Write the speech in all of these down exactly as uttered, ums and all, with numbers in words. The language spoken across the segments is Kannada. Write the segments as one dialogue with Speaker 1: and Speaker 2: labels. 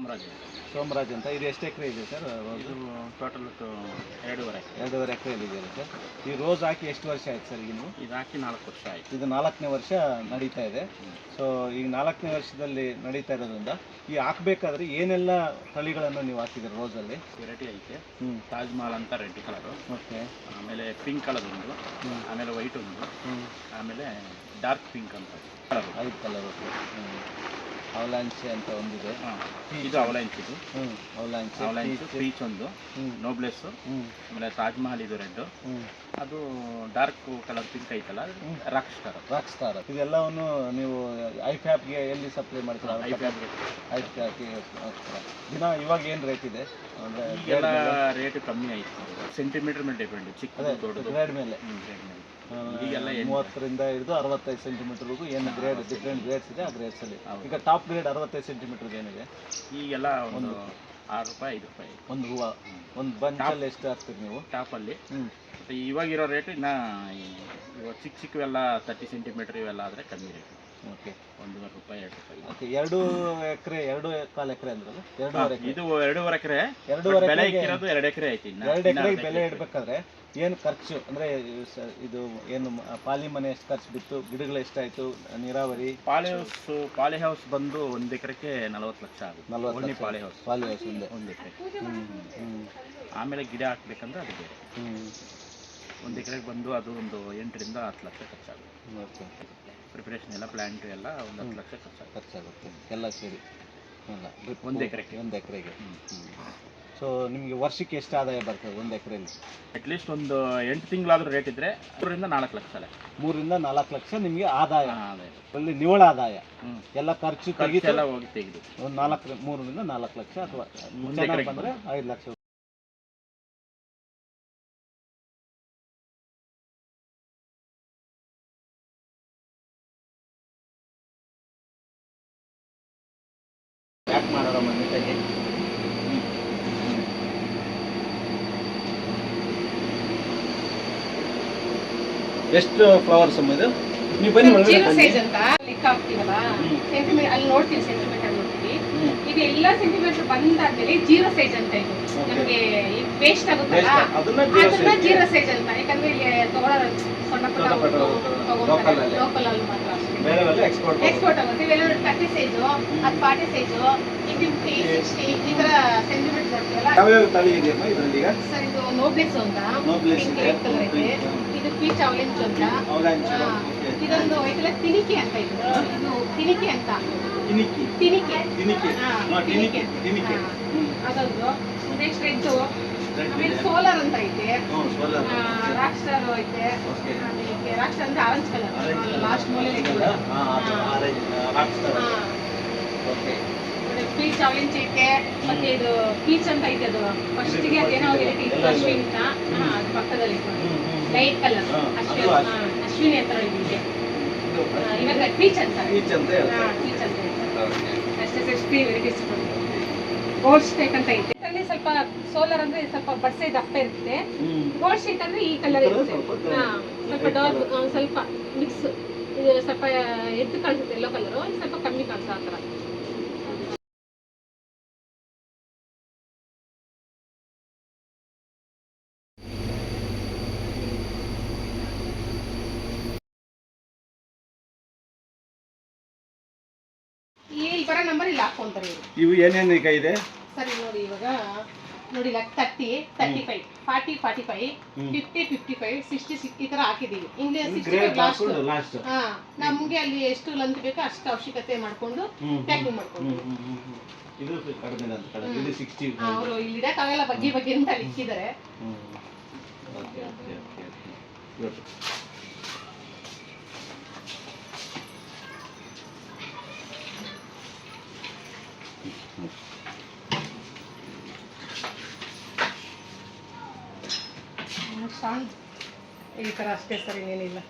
Speaker 1: ಸೋಮರಾಜ್
Speaker 2: ಸೋಮರಾಜ್ ಅಂತ. ಇದು ಎಷ್ಟು ಎಕರೆ ಇದೆ ಸರ್?
Speaker 1: ಇದು ಟೋಟಲ್ ಎರಡೂವರೆ
Speaker 2: ಎರಡೂವರೆ ಎಕರೆಯಲ್ಲಿ ಇದೆಯಲ್ಲ ಸರ್? ಈ ರೋಸ್ ಹಾಕಿ ಎಷ್ಟು ವರ್ಷ ಆಯ್ತು ಸರ್ ಈಗ ನೀವು?
Speaker 1: ಇದು ಹಾಕಿ ನಾಲ್ಕು ವರ್ಷ ಆಯಿತು.
Speaker 2: ಇದು ನಾಲ್ಕನೇ ವರ್ಷ ನಡೀತಾ ಇದೆ. ಸೊ ಈಗ ನಾಲ್ಕನೇ ವರ್ಷದಲ್ಲಿ ನಡೀತಾ ಇರೋದ್ರಿಂದ ಈ ಹಾಕಬೇಕಾದ್ರೆ ಏನೆಲ್ಲ ತಳಿಗಳನ್ನು ನೀವು ಹಾಕಿದ್ದೀರಿ ರೋಸಲ್ಲಿ?
Speaker 1: ವೆರೈಟಿ ಐತೆ.
Speaker 2: ಹ್ಞೂ
Speaker 1: ತಾಜ್ ಮಹಲ್ ಅಂತ ರೆಡ್ ಕಲರು,
Speaker 2: ಓಕೆ.
Speaker 1: ಆಮೇಲೆ ಪಿಂಕ್ ಕಲರ್ ಒಂದು, ಆಮೇಲೆ ವೈಟ್ ಒಂದು, ಆಮೇಲೆ ಡಾರ್ಕ್ ಪಿಂಕ್ ಅಂತ ಕಲರ್,
Speaker 2: ಐದು ಕಲರ್. ಹ್ಞೂ ಅವಲಾಂಚೆ ಅಂತ ಒಂದಿದೆ.
Speaker 1: ಹಾಂ, ಇದು ಅವಲಾಂಚ್. ಇದು
Speaker 2: ಹ್ಞೂ ಅವಲಾಂಚೆ,
Speaker 1: ಅವಲಾಂಚ್, ಪೀಚ್ ಒಂದು, ನೋಬ್ಲೆಸ್, ಆಮೇಲೆ ತಾಜ್ ಮಹಲ್ ಇದು ರೆಡ್, ಅದು ಡಾರ್ಕ್ ಕಲರ್ ಪಿಂಕ್ ಐತಲ್ಲ ರಾಕ್ ಸ್ಟಾರ್. ರಾಕ್ ಸ್ಟಾರ್ ಇದೆಲ್ಲವನ್ನು ನೀವು ಐಫ್ಯಾಬ್ಗೆ ಎಲ್ಲಿ ಸಪ್ಲೈ ಮಾಡ್ತೀರಾ? ಐಫ್ಯಾಬ್ಗೆ ಐಫ್ಯಾಬ್ಗೆ ದಿನ ಇವಾಗ ಏನು ರೇಟ್ ಇದೆ? ಅಂದರೆ ಎಲ್ಲ ರೇಟ್ ಕಮ್ಮಿ ಆಯಿತು. ಸೆಂಟಿಮೀಟರ್ ಮೇಲೆ ಡಿಪೆಂಡ್, ಚಿಕ್ಕ ದೊಡ್ಡದು
Speaker 2: ಗ್ರೇಡ್ ಮೇಲೆ.
Speaker 1: ಗ್ರೇಡ್ ಮೇಲೆ
Speaker 2: ಈಗೆಲ್ಲ ಮೂವತ್ತರಿಂದ ಹಿಡಿದು ಅರವತ್ತೈದು ಸೆಂಟಿಮೀಟರ್ವರೆಗೂ ಏನು ಗ್ರೇಡ್ ಡಿಫ್ರೆಂಟ್ ಗ್ರೇಡ್ಸ್ ಇದೆ ಆ ಗ್ರೇಡ್ಸಲ್ಲಿ. ಈಗ ಟಾಪ್ ಗ್ರೇಡ್ ಅರವತ್ತೈದು ಸೆಂಟಿಮೀಟರ್ದು ಏನಿದೆ?
Speaker 1: ಈಗೆಲ್ಲ ಒಂದು ಆರು ರೂಪಾಯಿ ಐದು ರೂಪಾಯಿ
Speaker 2: ಒಂದು ಹೂವು. ಒಂದು ಬಂಚಲ್ಲಿ ಎಷ್ಟು ಹಾಕ್ತೀರಿ ನೀವು
Speaker 1: ಟಾಪಲ್ಲಿ?
Speaker 2: ಹ್ಞೂ
Speaker 1: ಮತ್ತು ಇವಾಗಿರೋ ರೇಟ್ ಇನ್ನು ಇವಾಗ ಚಿಕ್ಕ ಚಿಕ್ಕವೆಲ್ಲ ತರ್ಟಿ ಸೆಂಟಿಮೀಟ್ರ್ ಇವೆಲ್ಲ ಆದರೆ ಕಮ್ಮಿ ರೇಟ್.
Speaker 2: ಓಕೆ,
Speaker 1: ಒಂದೂವರೆ ರೂಪಾಯಿ ಎರಡು ರೂಪಾಯಿ.
Speaker 2: ಓಕೆ. ಎರಡು ಎಕರೆ ಎರಡು ಕಾಲು ಎಕರೆ ಅಂದ್ರಲ್ಲ? ಎರಡೂವರೆ ಎಕರೆ.
Speaker 1: ಇದು ಎರಡೂವರೆ ಎಕರೆ.
Speaker 2: ಎರಡೂವರೆ
Speaker 1: ಬೆಲೆ ಇಕ್ಕಿರೋದು ಎರಡು ಎಕರೆ ಐತಿ.
Speaker 2: ಎರಡು ಎಕರೆಗೆ ಬೆಲೆ ಇಡಬೇಕಾದ್ರೆ ಏನು ಖರ್ಚು ಅಂದರೆ ಇದು ಏನು ಪಾಲಿ ಮನೆ ಎಷ್ಟು ಖರ್ಚು ಬಿತ್ತು, ಗಿಡಗಳು ಎಷ್ಟಾಯಿತು, ನೀರಾವರಿ?
Speaker 1: ಪಾಲಿ ಹೌಸ್ ಪಾಲಿ ಹೌಸ್ ಬಂದು ಒಂದು ಎಕರೆಗೆ ನಲವತ್ತು ಲಕ್ಷ ಆಗುತ್ತೆ.
Speaker 2: ನಲ್ವತ್ತು
Speaker 1: ಪಾಲಿ ಹೌಸ್
Speaker 2: ಪಾಲಿ ಹೌಸ್ ಒಂದೇ
Speaker 1: ಒಂದು ಎಕರೆ.
Speaker 2: ಹ್ಞೂ ಹ್ಞೂ
Speaker 1: ಆಮೇಲೆ ಗಿಡ ಹಾಕ್ಬೇಕಂದ್ರೆ ಅದು ಬೇರೆ.
Speaker 2: ಹ್ಞೂ
Speaker 1: ಒಂದು ಎಕರೆಗೆ ಬಂದು ಅದು ಒಂದು ಎಂಟರಿಂದ ಹತ್ತು ಲಕ್ಷ ಖರ್ಚಾಗುತ್ತೆ.
Speaker 2: ಓಕೆ.
Speaker 1: ಪ್ರಿಪ್ರೇಷನ್ ಎಲ್ಲ ಪ್ಲ್ಯಾಂಟ್ ಎಲ್ಲ ಒಂದು ಹತ್ತು ಲಕ್ಷ ಖರ್ಚಾಗುತ್ತೆ.
Speaker 2: ಖರ್ಚಾಗುತ್ತೆ ಎಲ್ಲ ಸೇರಿ ಅಲ್ಲ
Speaker 1: ಒಂದು ಎಕರೆಗೆ
Speaker 2: ಒಂದು ಎಕರೆಗೆ ಹ್ಞೂ ಸೊ ನಿಮಗೆ ವರ್ಷಕ್ಕೆ ಎಷ್ಟು ಆದಾಯ ಬರ್ತದೆ ಒಂದು ಎಕರೆಯಲ್ಲಿ?
Speaker 1: ಅಟ್ಲೀಸ್ಟ್ ಒಂದು ಎಂಟು ತಿಂಗಳಾದರೂ ರೇಟ್ ಇದ್ದರೆ ಮೂರರಿಂದ ನಾಲ್ಕು ಲಕ್ಷ ಅಲ್ಲ ಮೂರರಿಂದ
Speaker 2: ನಾಲ್ಕು ಲಕ್ಷ ನಿಮಗೆ ಆದಾಯ.
Speaker 1: ಆದಾಯ
Speaker 2: ಅಲ್ಲಿ ನಿವ್ವಳ ಆದಾಯ ಎಲ್ಲ ಖರ್ಚು ತೆಗೆದು
Speaker 1: ಎಲ್ಲ ಹೋಗಿ ತೆಗೆದು
Speaker 2: ಒಂದು ನಾಲ್ಕು ಮೂರರಿಂದ ನಾಲ್ಕು ಲಕ್ಷ ಅಥವಾ ಚೆನ್ನಾಗಿ ಬಂದರೆ ಐದು ಲಕ್ಷ. ಯಾಕೆ ಮಾಡೋಣ ಮನೆಗೆ? ಎಷ್ಟು ಫ್ಲವರ್ಸ್ ಇದು? ನೀವು ಬನ್ನಿ
Speaker 3: ಜೀರೋ ಸೈಜ್ ಅಂತ ಲೆಕ್ಕ ಹಾಕ್ತೀವಲ್ಲ, ಸೆಂಟಿಮೀಟರ್ ಅಲ್ಲಿ ನೋಡ್ತೀವಿ, ಸೆಂಟಿಮೀಟರ್ ನೋಡ್ತೀವಿ. ಇದು ಎಲ್ಲ ಸೆಂಟಿಮೀಟರ್ ಬಂದಾದ್ಮೇಲೆ ಜೀರೋ ಸೈಜ್ ಅಂತ ಇದು ನಮಗೆ ವೇಸ್ಟ್ ಆಗುತ್ತಲ್ಲ, ಅದನ್ನ ಜೀರೋ ಸೈಜ್ ಅಂತ. ಯಾಕಂದ್ರೆ ಇಲ್ಲಿ ತಗೊಳ್ಳೋರು ಸಣ್ಣ ಪುಟ್ಟ ತಗೊಂಡ್ರೆ ಲೋಕಲ್ ಅಲ್ಲಿ ಮಾತ್ರ ಎಕ್ಸ್ಪೋರ್ಟ್ ಆಗುತ್ತೆ. ಇವೆಲ್ಲ ತರ್ಟಿ ಸೈಜು, ಅದು ಫಾರ್ಟಿ ಸೈಜು, ಇದು ಫಿಫ್ಟಿ ಸಿಕ್ಸ್ಟಿ ಈ ತರ ಸೆಂಟಿಮೀಟರ್ ನೋಡ್ತೀವಲ್ಲ. ಸರ್ ಇದು ನೋಬ್ಲೆಸ್ ಅಂತ ಪಿಂಕ್ ರೆಡ್ ಕಲರ್ ಐತೆ. ಇದು ಪೀಚ್ ಅವಲೆಂಚ್ ಅಂತ. ಇದೊಂದು ಐತಲ್ಲ ತಿನಿಕೆ ಅಂತ. ಇದು ಇದು ತಿನಿಕೆ ಅಂತ. ತಿನಿಕೆ ಅದೊಂದು. ನೆಕ್ಸ್ಟ್ ರೆಡ್, ಆಮೇಲೆ ಸೋಲಾರ್ ಅಂತ ಐತೆ, ರಾಕ್ ಸ್ಟಾರ್ ಐತೆ, ಆಮೇಲೆ ರಾಕ್ ಸ್ಟಾರ್ ಅಂದ್ರೆ ಆರೆಂಜ್ ಕಲರ್ ಲಾಸ್ಟ್ ಮೂಲೆ ಪೀಚ್ ಅವಲೆಂಚ್ ಐತೆ. ಮತ್ತೆ ಇದು ಪೀಚ್ ಅಂತ ಐತೆ, ಅದು ಫಸ್ಟಿಗೆ ಅದೇನೋ ವೆರೈಟಿ ಇತ್ತು ಅಶ್ವಿನ್ ಅಂತ, ಅದು ಪಕ್ಕದಲ್ಲಿ ಲೈಟ್ ಕಲರ್ ಅಶ್ವಿನ್ ಅಶ್ವಿನಿ ಹತ್ರ ಇದೆ. ಇವಾಗ ಪೀಚ್ ಅಂತ ಪೀಚ್ ಅಂತ ಅಷ್ಟೇ. ಸಿಕ್ಸ್ಟಿ ವೆರೈಟೀಸ್ ಗೋಲ್ಡ್ ಸ್ಟೇಕ್ ಅಂತ ಐತೆ. ಅಲ್ಲಿ ಸ್ವಲ್ಪ ಸೋಲಾರ್ ಅಂದ್ರೆ ಸ್ವಲ್ಪ ಬಡ್ಸೆ ದಪ್ಪ ಇರುತ್ತೆ. ಗೋಲ್ಡ್ ಸ್ಟೇಕ್ ಅಂದ್ರೆ ಈ ಕಲರ್ ಇರುತ್ತೆ. ಹಾ, ಸ್ವಲ್ಪ ಡಾರ್ಕ್, ಸ್ವಲ್ಪ ಮಿಕ್ಸ್. ಇದು ಸ್ವಲ್ಪ ಎದ್ದು ಕಾಣಿಸುತ್ತೆ ಎಲ್ಲೋ ಕಲರು, ಸ್ವಲ್ಪ ಕಮ್ಮಿ ಕಾಣಿಸೋ ಆ ಥರ. ಇಲ್ಲಿ ಬರೋ ನಂಬರ್ ಇಲ್ಲಿ ಹಾಕೊಂತಾರೆ ಇವರು.
Speaker 2: ಇವು ಏನೇನು ಈಗ ಇದೆ
Speaker 3: ಸರಿ ನೋಡಿ, ಇವಾಗ ನೋಡಿ thirty thirty five forty forty five fifty fifty five sixty six ಈ ತರ ಹಾಕಿದೀವಿ. ಹಿಂಗೆ ಸಿಕ್ಸ್ಟಿ ಫೈವ್ ಲಾಸ್ಟ್. ಹಾ, ನಮ್ಗೆ ಅಲ್ಲಿ ಎಷ್ಟು ಲಂತ್ ಬೇಕೋ ಅಷ್ಟು ಅವಶ್ಯಕತೆ ಮಾಡ್ಕೊಂಡು ಪ್ಯಾಕಿಂಗ್ ಮಾಡ್ಕೊಂಡು.
Speaker 2: ಇದು ಕಡಿಮೆ ಅಂತ ಕಡಿಮೆ ಇದು ಸಿಕ್ಸ್ಟಿ.
Speaker 3: ಅವರು ಇಲ್ಲಿ ಇಡಕ್ಕಾಗಲ್ಲ, ಬಗ್ಗೆ ಬಗ್ಗೆ ಅಂತ ಅಲ್ಲಿ ಇಕ್ಕಿದ್ದಾರೆ.
Speaker 2: Okay okay okay good.
Speaker 3: ಈ ತರ ಅಷ್ಟೇ ಸರ್, ಇನ್ನೇನಿಲ್ಲ.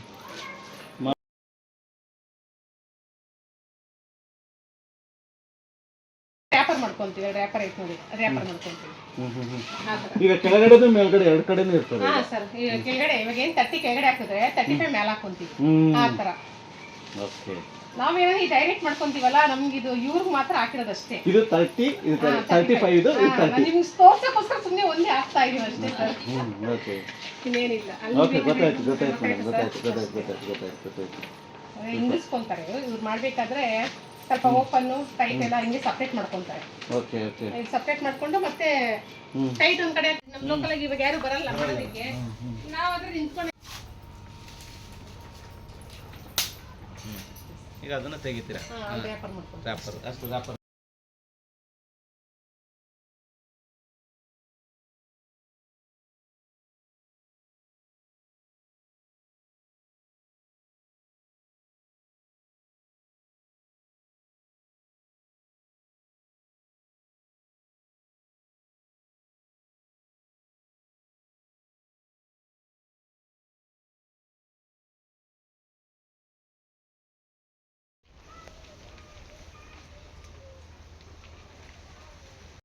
Speaker 3: ರ್ಯಾಪರ್ ಮಾಡ್ಕೊಂತೀವಿ. ರ್ಯಾಪರ್ ಐತೆ ನೋಡಿ, ರ್ಯಾಪರ್ ಮಾಡ್ಕೊಂತೀವಿ.
Speaker 2: ಈಗ ಕೆಳಗಡೆ ಮೇಲ್ಗಡೆ ಎರಡು ಕಡೆನೂ ಇರ್ತದೆ.
Speaker 3: ಹಾ ಸರ್, ಈಗ ಕೆಳಗಡೆ ಇವಾಗ ಏನ್ ತರ್ಟಿ ಕೆಳಗಡೆ ಹಾಕಿದ್ರೆ ತರ್ಟಿ ಫೈವ್ ಮೇಲೆ ಹಾಕೊಂತೀವಿ ಆ ತರ.
Speaker 2: ಓಕೆ.
Speaker 3: ನಾವೇನೋ ಈ ಡೈರೆಕ್ಟ್ ಮಾಡ್ಕೊಂತೀವಲ್ಲ ನಮ್ಗೆ ಇದು ಇವ್ರಿಗೆ ಮಾತ್ರ ಹಾಕಿರೋದಷ್ಟೇ.
Speaker 2: ಇದು ತರ್ಟಿ ಇದು ತರ್ಟಿ ಫೈವ್ ಇದು ತರ್ಟಿ.
Speaker 3: ನಿಮ್ಗೆ ತೋರ್ಸಕ್ಕೋಸ್ಕರ ಸುಮ್ಮನೆ ಒಂದೇ ಹಾಕ್ತಾ ಇದೀವಿ ಅಷ್ಟೇ ಸರ್.
Speaker 2: ಓಕೆ
Speaker 3: ಇನ್ನೇನಿಲ್ಲ.
Speaker 2: ಓಕೆ ಗೊತ್ತಾಯ್ತು ಗೊತ್ತಾಯ್ತು ಮೇಡಮ್ ಗೊತ್ತಾಯ್ತು ಗೊತ್ತಾಯ್ತು ಗೊತ್ತಾಯ್ತು ಗೊತ್ತಾಯ್ತು ಗೊತ್ತಾಯ್ತು.
Speaker 3: ಹಿಂಗಿಸ್ಕೊಂತಾರೆ ಇವ್ರು ಮಾಡ್ಬೇಕಾದ್ರೆ ಸ್ವಲ್ಪ ಓಪನ್ ಟೈಟ್ ಎಲ್ಲ ಹಿಂಗೆ ಸಪ್ರೇಟ್ ಮಾಡ್ಕೊಂತಾರೆ.
Speaker 2: ಓಕೆ ಓಕೆ
Speaker 3: ಈಗ ಸಪ್ರೇಟ್ ಮಾಡ್ಕೊಂಡು ಮತ್ತೆ ಟೈಟ್ ಒಂದ್ ಕಡೆ ನಮ್ಮ ಲೋಕಲ್ ಆಗಿ ಇವಾಗ ಯಾರು ಬರಲ್ಲ ಮಾಡೋದಕ್ಕೆ, ನಾವು ಅದ್ರ ನಿಂತ್ಕೊಂಡು
Speaker 2: ಈಗ ಅದನ್ನ ತೆಗಿತೀರಾ
Speaker 3: ವ್ಯಾಪಾರ ಮಾಡ್ಕೊಂಡು
Speaker 2: ರ್ಯಾಪರ್ ಅಷ್ಟು ರ್ಯಾಪರ್